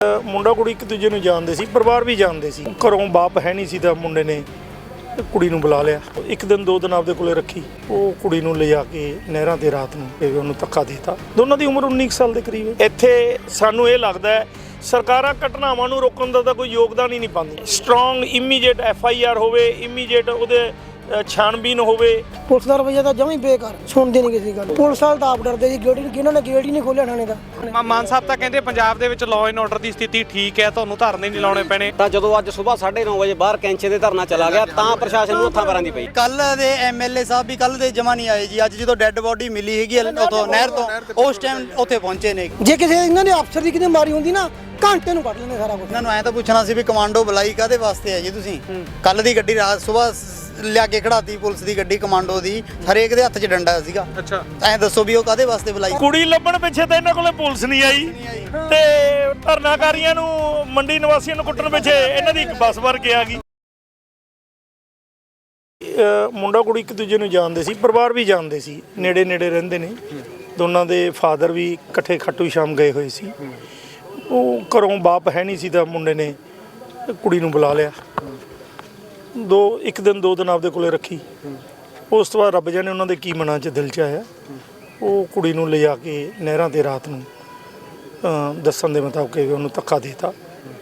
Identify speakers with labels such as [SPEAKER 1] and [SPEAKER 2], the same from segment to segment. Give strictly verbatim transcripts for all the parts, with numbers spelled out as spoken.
[SPEAKER 1] ਮੁੰਡਾ ਕੁੜੀ ਇੱਕ ਦੂਜੇ ਨੂੰ ਜਾਣਦੇ ਸੀ, ਪਰਿਵਾਰ ਵੀ ਜਾਣਦੇ ਸੀ। ਘਰੋਂ ਬਾਪ ਹੈ ਨਹੀਂ ਸੀ ਤਾਂ ਮੁੰਡੇ ਨੇ ਕੁੜੀ ਨੂੰ ਬੁਲਾ ਲਿਆ। ਇੱਕ ਦਿਨ ਦੋ ਦਿਨ ਆਪਦੇ ਕੋਲੇ ਰੱਖੀ। ਉਹ ਕੁੜੀ ਨੂੰ ਲਿਜਾ ਕੇ ਨਹਿਰਾਂ ਤੇ ਰਾਤ ਨੂੰ ਤੇ ਉਹਨੂੰ ਧੱਕਾ ਦੇਤਾ। ਦੋਨਾਂ ਦੀ ਉਮਰ ਉੱਨੀ ਸਾਲ ਦੇ ਕਰੀਬ ਹੈ। ਇੱਥੇ ਸਾਨੂੰ ਇਹ ਲੱਗਦਾ ਹੈ ਸਰਕਾਰਾਂ ਘਟਨਾਵਾਂ ਨੂੰ ਰੋਕਣ ਦਾ ਤਾਂ ਕੋਈ ਯੋਗਦਾਨ ਹੀ ਨਹੀਂ ਪਾਉਂਦੀਆਂ। Strong immediate F I R ਹੋਵੇ, ਇਮੀਡੀਏਟ ਉਹਦੇ ਛਾਣਬੀਨ ਹੋਵੇ।
[SPEAKER 2] ਪੁਲਿਸ ਦਾ ਰਵੱਈਆ ਤਾਂ ਜਮਾਂ ਹੀ ਬੇਕਾਰ, ਸੁਣਦੇ ਨਹੀਂ ਕਿਸੇ ਗੱਲ। ਪੁਲਿਸ ਵਾਲੇ ਤਾਂ ਆਪ ਡਰਦੇ ਜੀ, ਗੇੜੀ ਇਹਨਾਂ ਨੇ ਗੇਟ ਹੀ ਨਹੀਂ ਖੋਲ੍ਹਿਆ ਥਾਣੇ ਦਾ।
[SPEAKER 3] ਮਾਨ ਸਾਹਿਬ ਤਾਂ ਕਹਿੰਦੇ ਪੰਜਾਬ ਦੇ ਵਿੱਚ ਲਾਅ ਐਂਡ ਆਰਡਰ ਦੀ ਸਥਿਤੀ ਠੀਕ ਹੈ, ਤੁਹਾਨੂੰ ਧਰਨੇ ਨਹੀਂ ਲਾਉਣੇ ਪੈਣੇ।
[SPEAKER 4] ਤਾਂ ਜਦੋਂ ਅੱਜ ਸਵੇਰ ਸਾਢੇ ਨੌ ਵਜੇ ਬਾਹਰ ਕੈਂਚੇ ਦੇ ਧਰਨਾ ਚਲਾ ਗਿਆ ਤਾਂ ਪ੍ਰਸ਼ਾਸਨ ਨੂੰ ਹੱਥਾਂ ਪੈਰਾਂ ਦੀ ਪਈ।
[SPEAKER 5] ਕੱਲ ਦੇ ਐਮ ਐਲ ਏ ਸਾਹਿਬ ਵੀ ਕੱਲ ਦੇ ਜਮਾ ਨਹੀਂ ਆਏ ਜੀ। ਅੱਜ ਜਦੋਂ ਡੈੱਡ ਬੋਡੀ ਮਿਲੀ ਹੈਗੀ ਉਥੋਂ ਨਹਿਰ ਤੋਂ, ਉਸ ਟਾਈਮ ਉੱਥੇ ਪਹੁੰਚੇ ਨੇ।
[SPEAKER 2] ਜੇ ਕਿਸੇ ਇਹਨਾਂ ਦੇ ਅਫਸਰ ਦੀ ਕਿਤੇ ਮਾਰੀ ਹੁੰਦੀ ਨਾ, ਘੰਟੇ ਨੂੰ ਕੱਢ ਲੈਂਦੇ ਸਾਰਾ ਕੁਝ।
[SPEAKER 5] ਇਹਨਾਂ ਨੂੰ ਐਂ ਤਾਂ ਪੁੱਛਣਾ ਸੀ ਵੀ ਕਮਾਂਡੋ ਬੁਲਾਈ ਕਾਹਦੇ ਵਾਸਤੇ ਹੈ ਜੀ ਤੁਸੀਂ? ਕੱਲ ਦੀ ਗੱਡੀ ਰਾਤ ਸਵੇਰ ਲਿਆ ਕੇ ਖੜਾਤੀ ਪੁਲਿਸ ਦੀ ਗੱਡੀ, ਕਮਾਂਡੋ ਦੀ, ਹਰੇਕ ਦੇ ਹੱਥ 'ਚ ਡੰਡਾ ਸੀਗਾ।
[SPEAKER 3] ਅੱਛਾ,
[SPEAKER 5] ਐਂ ਦੱਸੋ ਵੀ ਉਹ ਕਾਹਦੇ ਵਾਸਤੇ ਬੁਲਾਈ?
[SPEAKER 1] ਕੁੜੀ ਲੱਭਣ ਪਿੱਛੇ ਤਾਂ ਇਹਨਾਂ ਕੋਲੇ ਪੁਲਿਸ ਨਹੀਂ ਆਈ ਤੇ ਧਰਨਾਕਾਰੀਆਂ ਨੂੰ, ਮੰਡੀ ਨਿਵਾਸੀਆਂ ਨੂੰ ਕੁੱਟਣ ਪਿੱਛੇ ਇਹਨਾਂ ਦੀ ਇੱਕ ਬੱਸ ਭਰ ਕੇ ਆ ਗਈ। ਮੁੰਡਾ ਕੁੜੀ ਇੱਕ ਦੂਜੇ ਨੂੰ ਜਾਣਦੇ ਸੀ, ਪਰਿਵਾਰ ਵੀ ਜਾਣਦੇ ਸੀ, ਨੇੜੇ ਨੇੜੇ ਰਹਿੰਦੇ ਨੇ। ਦੋਨਾਂ ਦੇ ਫਾਦਰ ਵੀ ਇਕੱਠੇ ਖਾਟੂ ਸ਼ਾਮ ਗਏ ਹੋਏ ਸੀ। ਉਹ ਘਰੋਂ ਬਾਪ ਹੈ ਨਹੀਂ ਸੀ ਤਾਂ ਮੁੰਡੇ ਨੇ ਕੁੜੀ ਨੂੰ ਬੁਲਾ ਲਿਆ। ਦੋ ਇੱਕ ਦਿਨ ਦੋ ਦਿਨ ਆਪਦੇ ਕੋਲੇ ਰੱਖੀ। ਉਸ ਤੋਂ ਬਾਅਦ ਰੱਬ ਜਾਣੇ ਉਹਨਾਂ ਦੇ ਕੀ ਮਨਾਂ 'ਚ ਦਿਲ 'ਚ ਆਇਆ, ਉਹ ਕੁੜੀ ਨੂੰ ਲਿਜਾ ਕੇ ਨਹਿਰਾਂ ਤੇ ਰਾਤ ਨੂੰ ਦੱਸਣ ਦੇ ਮੁਤਾਬਕ ਉਹਨੂੰ ਧੱਕਾ ਦੇਤਾ।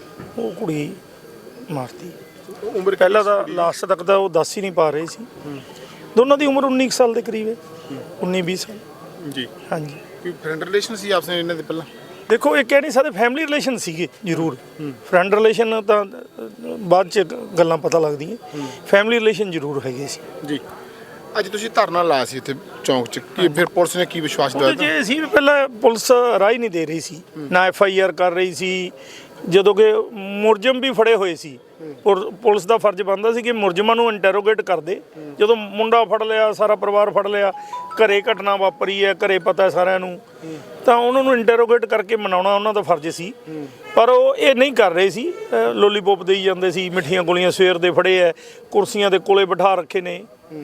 [SPEAKER 1] ਉਹ ਕੁੜੀ ਮਾਰਤੀ। ਉਮਰ ਪਹਿਲਾਂ ਤਾਂ ਲਾਸਟ ਤੱਕ ਤਾਂ ਉਹ ਦੱਸ ਹੀ ਨਹੀਂ ਪਾ ਰਹੇ ਸੀ। ਦੋਨਾਂ ਦੀ ਉਮਰ ਉੱਨੀ ਸਾਲ ਦੇ ਕਰੀਬ ਹੈ, ਉੱਨੀ ਵੀਹ ਸਾਲ
[SPEAKER 6] ਜੀ।
[SPEAKER 1] ਹਾਂਜੀ,
[SPEAKER 6] ਕੋਈ ਫਰੈਂਡ ਰਿਲੇਸ਼ਨ ਸੀ ਆਪਸ ਵਿੱਚ ਇਹਨਾਂ ਦੇ ਪਹਿਲਾਂ?
[SPEAKER 1] ਦੇਖੋ ਇਹ ਕਹਿ ਨਹੀਂ ਸਕਦੇ, ਫੈਮਿਲੀ ਰਿਲੇਸ਼ਨ ਸੀਗੇ ਜ਼ਰੂਰ। ਫਰੈਂਡ ਰਿਲੇਸ਼ਨ ਤਾਂ ਬਾਅਦ 'ਚ ਗੱਲਾਂ ਪਤਾ ਲੱਗਦੀਆਂ, ਫੈਮਿਲੀ ਰਿਲੇਸ਼ਨ ਜ਼ਰੂਰ ਹੈਗੇ ਸੀ
[SPEAKER 6] ਜੀ। ਅੱਜ ਤੁਸੀਂ ਧਰਨਾ ਲਾਇਆ ਸੀ ਇੱਥੇ ਚੌਂਕ 'ਚ, ਕੀ ਫਿਰ ਪੁਲਿਸ ਨੇ ਕੀ ਵਿਸ਼ਵਾਸ ਦਿਵਾਇਆ?
[SPEAKER 1] ਜੇ ਸੀ ਪਹਿਲਾਂ ਪੁਲਿਸ ਰਾਹ ਹੀ ਨਹੀਂ ਦੇ ਰਹੀ ਸੀ, ਨਾ ਐਫ ਆਈ ਆਰ ਕਰ ਰਹੀ ਸੀ। ਜਦੋਂ ਕਿ ਮੁਲਜ਼ਮ ਵੀ ਫੜੇ ਹੋਏ ਸੀ, ਪੁਲਿਸ ਦਾ ਫਰਜ਼ ਬਣਦਾ ਸੀ ਕਿ ਮੁਲਜ਼ਮਾਂ ਨੂੰ ਇੰਟਰੋਗੇਟ ਕਰਦੇ। ਜਦੋਂ ਮੁੰਡਾ ਫੜ ਲਿਆ, ਸਾਰਾ ਪਰਿਵਾਰ ਫੜ ਲਿਆ, ਘਰੇ ਘਟਨਾ ਵਾਪਰੀ ਹੈ, ਘਰੇ ਪਤਾ ਸਾਰਿਆਂ ਨੂੰ, ਤਾਂ ਉਹਨਾਂ ਨੂੰ ਇੰਟਰੋਗੇਟ ਕਰਕੇ ਮਨਾਉਣਾ ਉਹਨਾਂ ਦਾ ਫਰਜ਼ ਸੀ। ਪਰ ਉਹ ਇਹ ਨਹੀਂ ਕਰ ਰਹੇ ਸੀ, ਲੋਲੀਪੋਪ ਦੇਈ ਜਾਂਦੇ ਸੀ, ਮਿੱਠੀਆਂ ਗੋਲੀਆਂ ਸਵੇਰ ਦੇ ਫੜੇ ਹੈ, ਕੁਰਸੀਆਂ ਦੇ ਕੋਲੇ ਬਿਠਾ ਰੱਖੇ ਨੇ,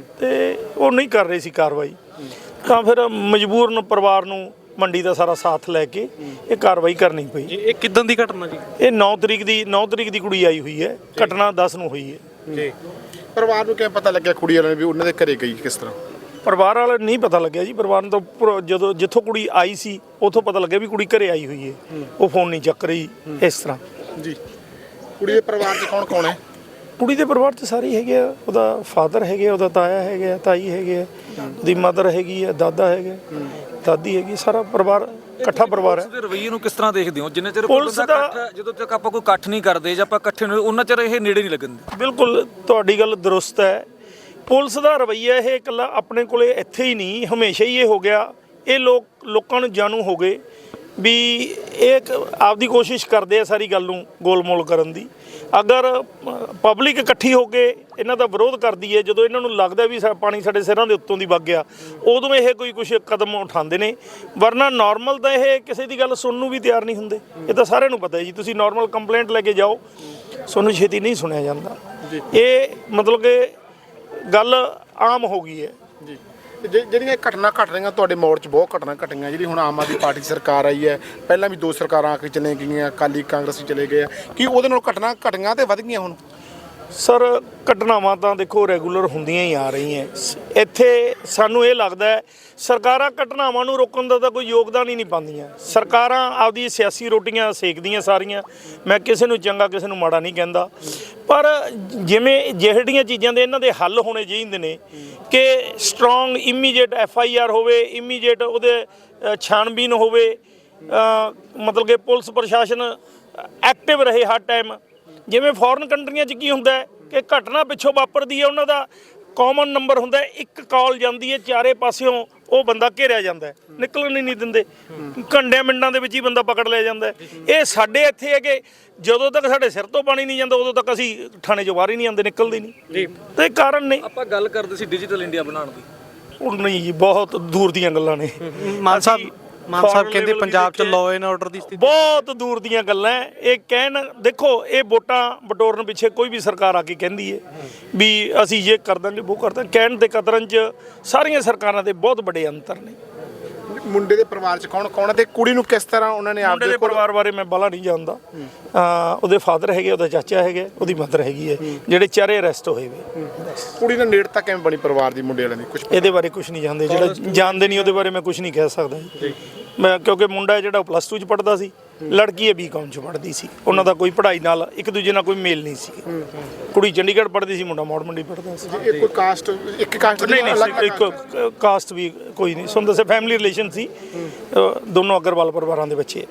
[SPEAKER 1] ਤੇ ਉਹ ਨਹੀਂ ਕਰ ਰਹੇ ਸੀ ਕਾਰਵਾਈ। ਤਾਂ ਫਿਰ ਮਜਬੂਰਨ ਪਰਿਵਾਰ ਨੂੰ ਮੰਡੀ ਦਾ ਸਾਰਾ ਸਾਥ ਲੈ ਕੇ ਇਹ ਕਾਰਵਾਈ ਕਰਨੀ ਪਈ।
[SPEAKER 3] ਇਹ ਕਿੱਦਾਂ ਦੀ ਘਟਨਾ ਜੀ?
[SPEAKER 1] ਇਹ ਨੌ ਤਰੀਕ ਦੀ ਨੌ ਤਰੀਕ ਦੀ ਕੁੜੀ ਆਈ ਹੋਈ ਹੈ, ਘਟਨਾ ਦਸ ਨੂੰ ਹੋਈ ਹੈ
[SPEAKER 6] ਜੀ। ਪਰਿਵਾਰ ਨੂੰ ਕਿਵੇਂ ਪਤਾ ਲੱਗਿਆ ਕੁੜੀ ਵਾਲਿਆਂ ਨੇ ਵੀ ਉਹਨਾਂ ਦੇ ਘਰੇ ਗਈ ਕਿਸ ਤਰ੍ਹਾਂ?
[SPEAKER 1] ਪਰਿਵਾਰ ਵਾਲੇ ਨਹੀਂ ਪਤਾ ਲੱਗਿਆ ਜੀ। ਪਰਿਵਾਰ ਨੂੰ ਤਾਂ ਜਦੋਂ ਜਿੱਥੋਂ ਕੁੜੀ ਆਈ ਸੀ ਉੱਥੋਂ ਪਤਾ ਲੱਗਿਆ ਵੀ ਕੁੜੀ ਘਰੇ ਆਈ ਹੋਈ ਹੈ। ਉਹ ਫੋਨ ਨਹੀਂ ਚੱਕ ਰਹੀ ਇਸ ਤਰ੍ਹਾਂ
[SPEAKER 6] ਜੀ। ਕੁੜੀ ਦੇ ਪਰਿਵਾਰ 'ਚ ਕੌਣ ਕੌਣ ਹੈ?
[SPEAKER 1] ਕੁੜੀ ਦੇ ਪਰਿਵਾਰ 'ਚ ਸਾਰੇ ਹੈਗੇ ਆ। ਉਹਦਾ ਫਾਦਰ ਹੈਗੇ, ਉਹਦਾ ਤਾਇਆ ਹੈਗੇ ਆ, ਤਾਈ ਹੈਗੇ ਆ, ਉਹਦੀ ਮਦਰ ਹੈਗੀ ਆ, ਦਾਦਾ ਹੈਗੇ, ਦਾਦੀ ਹੈਗੀ, ਸਾਰਾ ਪਰਿਵਾਰ ਇਕੱਠਾ ਪਰਿਵਾਰ ਹੈ।
[SPEAKER 7] ਰਵੱਈਏ ਨੂੰ ਕਿਸ ਤਰ੍ਹਾਂ ਦੇਖਦੇ ਹੋ? ਜਿੰਨੇ ਚਿਰ
[SPEAKER 1] ਪੁਲਿਸ ਦਾ
[SPEAKER 7] ਜਦੋਂ ਤੱਕ ਆਪਾਂ ਕੋਈ ਇਕੱਠ ਨਹੀਂ ਕਰਦੇ ਜਾਂ ਆਪਾਂ ਇਕੱਠੇ ਨਹੀਂ, ਉਹਨਾਂ ਚਿਰ ਇਹ ਨੇੜੇ ਨਹੀਂ ਲੱਗਣ।
[SPEAKER 1] ਬਿਲਕੁਲ ਤੁਹਾਡੀ ਗੱਲ ਦਰੁਸਤ ਹੈ। ਪੁਲਿਸ ਦਾ ਰਵੱਈਆ ਇਹ ਇਕੱਲਾ ਆਪਣੇ ਕੋਲੇ ਇੱਥੇ ਹੀ ਨਹੀਂ, ਹਮੇਸ਼ਾ ਹੀ ਇਹ ਹੋ ਗਿਆ। ਇਹ ਲੋਕ ਲੋਕਾਂ ਨੂੰ ਜਾਣੂ ਹੋ ਗਏ ਵੀ ਇਹ ਆਪਦੀ ਕੋਸ਼ਿਸ਼ ਕਰਦੇ ਆ ਸਾਰੀ ਗੱਲ ਨੂੰ ਗੋਲਮੋਲ ਕਰਨ ਦੀ। ਅਗਰ ਪਬਲਿਕ ਇਕੱਠੀ ਹੋ ਕੇ ਇਹਨਾਂ ਦਾ ਵਿਰੋਧ ਕਰਦੀ ਹੈ, ਜਦੋਂ ਇਹਨਾਂ ਨੂੰ ਲੱਗਦਾ ਵੀ ਪਾਣੀ ਸਾਡੇ ਸਿਰਾਂ ਦੇ ਉੱਤੋਂ ਦੀ ਵਗ ਗਿਆ, ਉਦੋਂ ਇਹ ਕੋਈ ਕੁਛ ਕਦਮ ਉਠਾਉਂਦੇ ਨੇ। ਵਰਨਾ ਨਾਰਮਲ ਤਾਂ ਇਹ ਕਿਸੇ ਦੀ ਗੱਲ ਸੁਣਨ ਨੂੰ ਵੀ ਤਿਆਰ ਨਹੀਂ ਹੁੰਦੇ। ਇਹ ਤਾਂ ਸਾਰਿਆਂ ਨੂੰ ਪਤਾ ਹੈ ਜੀ। ਤੁਸੀਂ ਨਾਰਮਲ ਕੰਪਲੇਂਟ ਲੈ ਕੇ ਜਾਓ, ਤੁਹਾਨੂੰ ਛੇਤੀ ਨਹੀਂ ਸੁਣਿਆ ਜਾਂਦਾ। ਇਹ ਮਤਲਬ ਕਿ ਗੱਲ ਆਮ ਹੋ ਗਈ ਹੈ
[SPEAKER 6] ਜੀ। ਜਿਹੜੀਆਂ ਘਟਨਾ ਘਟ ਰਹੀਆਂ ਤੁਹਾਡੇ ਮੋੜ 'ਚ, ਬਹੁਤ ਘਟਨਾ ਘਟੀਆਂ। ਜਿਹੜੀ ਹੁਣ ਆਮ ਆਦਮੀ ਪਾਰਟੀ ਸਰਕਾਰ ਆਈ ਹੈ, ਪਹਿਲਾਂ ਵੀ ਦੋ ਸਰਕਾਰਾਂ ਆ ਕੇ ਚਲੇ ਗਈਆਂ, ਅਕਾਲੀ ਕਾਂਗਰਸੀ ਚਲੇ ਗਏ ਆ, ਕੀ ਉਹਦੇ ਨਾਲ ਘਟਨਾ ਘਟੀਆਂ ਤੇ ਵੱਧ ਗਈਆਂ ਹੁਣ?
[SPEAKER 1] ਸਰ ਘਟਨਾਵਾਂ ਤਾਂ ਦੇਖੋ ਰੈਗੂਲਰ ਹੁੰਦੀਆਂ ਹੀ ਆ ਰਹੀਆਂ। ਇੱਥੇ ਸਾਨੂੰ ਇਹ ਲੱਗਦਾ ਹੈ ਸਰਕਾਰਾਂ ਘਟਨਾਵਾਂ ਨੂੰ ਰੋਕਣ ਦਾ ਤਾਂ ਕੋਈ ਯੋਗਦਾਨ ਹੀ ਨਹੀਂ ਪਾਉਂਦੀਆਂ। ਸਰਕਾਰਾਂ ਆਪਦੀ ਸਿਆਸੀ ਰੋਟੀਆਂ ਸੇਕਦੀਆਂ ਸਾਰੀਆਂ। ਮੈਂ ਕਿਸੇ ਨੂੰ ਚੰਗਾ ਕਿਸੇ ਨੂੰ ਮਾੜਾ ਨਹੀਂ ਕਹਿੰਦਾ, ਪਰ ਜਿਵੇਂ ਜਿਹੜੀਆਂ ਚੀਜ਼ਾਂ ਦੇ ਇਹਨਾਂ ਦੇ ਹੱਲ ਹੋਣੇ ਚਾਹੀਦੇ ਨੇ ਕਿ strong immediate F I R ਹੋਵੇ, ਇਮੀਡੀਏਟ ਉਹਦੇ ਛਾਣਬੀਨ ਹੋਵੇ, ਮਤਲਬ ਕਿ ਪੁਲਿਸ ਪ੍ਰਸ਼ਾਸਨ ਐਕਟਿਵ ਰਹੇ ਹਰ ਟਾਈਮ। ਜਿਵੇਂ ਫੋਰਨ ਕੰਟਰੀਆਂ 'ਚ ਕੀ ਹੁੰਦਾ ਹੈ ਕਿ ਘਟਨਾ ਪਿੱਛੋਂ ਵਾਪਰਦੀ ਹੈ, ਉਹਨਾਂ ਦਾ ਕਾਮਨ ਨੰਬਰ ਹੁੰਦਾ, ਇੱਕ ਕਾਲ ਜਾਂਦੀ ਹੈ, ਚਾਰੇ ਪਾਸਿਓਂ ਉਹ ਬੰਦਾ ਘੇਰਿਆ ਜਾਂਦਾ, ਨਿਕਲਣ ਹੀ ਨਹੀਂ ਦਿੰਦੇ, ਘੰਟਿਆਂ ਮਿੰਟਾਂ ਦੇ ਵਿੱਚ ਹੀ ਬੰਦਾ ਪਕੜ ਲਿਆ ਜਾਂਦਾ। ਇਹ ਸਾਡੇ ਇੱਥੇ ਹੈ ਕਿ ਜਦੋਂ ਤੱਕ ਸਾਡੇ ਸਿਰ ਤੋਂ ਪਾਣੀ ਨਹੀਂ ਜਾਂਦਾ ਉਦੋਂ ਤੱਕ ਅਸੀਂ ਥਾਣੇ 'ਚੋਂ ਬਾਹਰ ਹੀ ਨਹੀਂ ਆਉਂਦੇ, ਨਿਕਲਦੇ ਨਹੀਂ। ਤੇ ਕਾਰਨ ਨੇ,
[SPEAKER 7] ਆਪਾਂ ਗੱਲ ਕਰਦੇ ਸੀ ਡਿਜੀਟਲ ਇੰਡੀਆ ਬਣਾਉਣ ਦੀ,
[SPEAKER 1] ਉਹ ਨਹੀਂ ਜੀ, ਬਹੁਤ ਦੂਰ ਦੀਆਂ ਗੱਲਾਂ ਨੇ।
[SPEAKER 3] ਮਾਨ ਸਾਹਿਬ ਮਾਨ ਸਾਹਿਬ ਕਹਿੰਦੇ ਪੰਜਾਬ 'ਚ ਲਾਅ ਐਂਡ ਆਰਡਰ ਦੀ ਸਥਿਤੀ
[SPEAKER 1] ਬਹੁਤ ਦੂਰ ਦੀਆਂ ਗੱਲਾਂ। ਇਹ ਕਹਿਣ, ਦੇਖੋ ਇਹ ਵੋਟਾਂ ਬਟੋਰਨ ਪਿੱਛੇ ਕੋਈ ਵੀ ਸਰਕਾਰ ਆ ਕੇ ਕਹਿੰਦੀ ਹੈ ਵੀ ਅਸੀਂ ਇਹ ਕਰ ਦਾਂਗੇ, ਉਹ ਕਰ ਦਾਂਗੇ, ਕਹਿਣ ਤੇ ਕਤਰਨ 'ਚ ਸਾਰੀਆਂ ਸਰਕਾਰਾਂ ਦੇ ਬਹੁਤ ਵੱਡੇ ਅੰਤਰ ਨੇ।
[SPEAKER 6] ਮੁੰਡੇ ਦੇ ਪਰਿਵਾਰ ਚ ਕੌਣ ਕੌਣ ਹੈ ਤੇ ਕੁੜੀ ਨੂੰ ਕਿਸ ਤਰ੍ਹਾਂ ਉਹਨਾਂ ਨੇ
[SPEAKER 1] ਮੁੰਡੇ
[SPEAKER 6] ਆਪਦੇ
[SPEAKER 1] ਦੇ ਪਰਿਵਾਰ ਬਾਰੇ ਮੈਂ ਬਾਹਲਾ ਨਹੀਂ ਜਾਣਦਾ। ਅਹ ਉਹਦੇ ਫਾਦਰ ਹੈਗੇ, ਉਹਦਾ ਚਾਚਾ ਹੈਗਾ, ਉਹਦੀ ਮਦਰ ਹੈਗੀ ਹੈ, ਜਿਹੜੇ ਚਾਰੇ ਅਰੈਸਟ ਹੋਏ ਵੇ।
[SPEAKER 6] ਕੁੜੀ ਨਾਲ ਨੇੜਤਾ ਕਿਵੇਂ ਬਣੀ ਪਰਿਵਾਰ ਦੀ ਮੁੰਡੇ ਵਾਲਿਆਂ ਦੀ ਕੁਝ
[SPEAKER 1] ਇਹਦੇ ਬਾਰੇ ਕੁਝ ਨਹੀਂ ਜਾਣਦੇ, ਜਿਹੜਾ ਜਾਣਦੇ ਨਹੀਂ ਉਹਦੇ ਬਾਰੇ ਮੈਂ ਕੁਝ ਨਹੀਂ ਕਹਿ ਸਕਦਾ ਜੀ। ਮੈਂ ਕਿਉਂਕਿ ਮੁੰਡਾ ਜਿਹੜਾ ਪਲੱਸ ਟੂ ਚ ਪੜ੍ਹਦਾ ਸੀ, ਲੜਕੀ ਹੈ ਬੀ ਕੌਮ ਚ ਪੜ੍ਹਦੀ ਸੀ, ਉਹਨਾਂ ਦਾ ਕੋਈ ਪੜ੍ਹਾਈ ਨਾਲ ਇੱਕ ਦੂਜੇ ਨਾਲ ਕੋਈ ਮੇਲ ਨਹੀਂ ਸੀ। ਕੁੜੀ ਚੰਡੀਗੜ੍ਹ ਪੜ੍ਹਦੀ ਸੀ, ਮੁੰਡਾ ਮੌੜ ਮੰਡੀ ਪੜ੍ਹਦਾ ਸੀ।
[SPEAKER 6] ਇਹ ਕੋਈ ਕਾਸਟ ਇੱਕ ਕਾਸਟ
[SPEAKER 1] ਨਹੀਂ ਨਹੀਂ ਇੱਕ ਕਾਸਟ ਵੀ ਕੋਈ ਨਹੀਂ ਸੁਣ ਦੱਸੇ, ਫੈਮਿਲੀ ਰਿਲੇਸ਼ਨ ਸੀ। ਅਹ ਦੋਨੋਂ ਅਗਰਵਾਲ ਪਰਿਵਾਰਾਂ ਦੇ ਬੱਚੇ।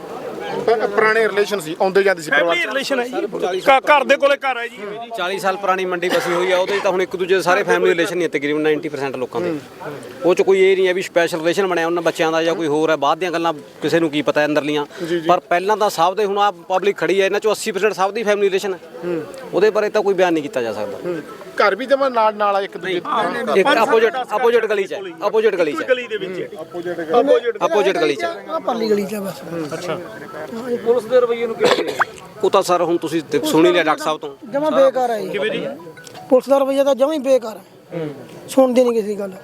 [SPEAKER 6] ਪੁਰਾਣੇ ਰਿਲੇਸ਼ਨ ਸੀ, ਆਉਂਦੇ ਜਾਂਦੇ ਸੀ ਪਰਿਵਾਰ
[SPEAKER 1] ਫੈਮਿਲੀ ਰਿਲੇਸ਼ਨ ਹੈ ਜੀ, ਘ- ਘਰ ਦੇ ਕੋਲੇ ਘਰ ਹੈ ਜੀ।
[SPEAKER 4] ਚਾਲੀ ਸਾਲ ਪੁਰਾਣੀ ਮੰਡੀ ਬਸੀ ਹੋਈ ਆ, ਉਹਦੇ 'ਚ ਤਾਂ ਹੁਣ ਇੱਕ ਦੂਜੇ ਦੇ ਸਾਰੇ ਫੈਮਿਲੀ ਰਿਲੇਸ਼ਨ ਹੀ ਆ ਤਕਰੀਬਨ ਨੱਬੇ ਪਰਸੈਂਟ ਲੋਕਾਂ ਦੇ। ਉਹ 'ਚ ਕੋਈ ਇਹ ਨਹੀਂ ਹੈ ਵੀ ਸਪੈਸ਼ਲ ਰਿਲੇਸ਼ਨ ਬਣਿਆ ਉਹਨਾਂ ਬੱਚਿਆਂ ਦਾ ਜਾਂ ਕੋਈ ਹੋਰ ਹੈ, ਬਾਅਦ ਦੀਆਂ ਗੱਲਾਂ ਕਿਸੇ ਨੂੰ ਕੀ ਪਤਾ ਅੰਦਰਲੀਆਂ। ਪਰ ਪਹਿਲਾਂ ਤਾਂ ਸਭ ਦੇ, ਹੁਣ ਆ ਪਬਲਿਕ ਖੜੀ ਹੈ, ਇਹਨਾਂ 'ਚੋਂ ਅੱਸੀ ਪਰਸੈਂਟ ਸਭ ਦੀ ਫੈਮਿਲੀ ਰਿਲੇਸ਼ਨ ਹੈ। ਉਹਦੇ ਬਾਰੇ ਤਾਂ ਕੋਈ ਬਿਆਨ ਨਹੀਂ ਕੀਤਾ ਜਾ ਸਕਦਾ।
[SPEAKER 6] ਘਰ ਵੀ ਜਮਾ ਨਾਲ ਨਾਲ ਆ ਇੱਕ ਦੂਜੇ
[SPEAKER 4] ਇੱਕ ਆਪੋਜੀਟ ਆਪੋਜੀਟ ਗਲੀ 'ਚ ਹੈ, ਆਪੋਜੀਟ ਗਲੀ 'ਚ ਹੈ,
[SPEAKER 1] ਗਲੀ ਦੇ ਵਿੱਚ
[SPEAKER 4] ਆਪੋਜੀਟ ਗਲੀ 'ਚ ਹੈ।
[SPEAKER 2] ਆ ਪਰਲੀ ਗਲੀ ਚ ਆ ਬਸ।
[SPEAKER 7] ਪੁਲਿਸ ਦੇ ਰਵੱਈਏ ਨੂੰ ਕਿਵੇਂ
[SPEAKER 4] ਉਹ ਤਾਂ ਸਰ ਹੁਣ ਤੁਸੀਂ ਦੇਖ- ਸੁਣ ਹੀ ਲਿਆ ਡਾਕਟਰ ਸਾਹਿਬ ਤੋਂ।
[SPEAKER 2] ਜਮਾ ਬੇਕਾਰ ਹੈ ਜੀ। ਪੁਲਿਸ ਦਾ ਰਵੱਈਆ ਤਾਂ ਜਮਾ ਹੀ ਬੇਕਾਰ ਹੈ, ਸੁਣਦੀ ਨਹੀਂ ਕਿਸੇ ਦੀ ਗੱਲ।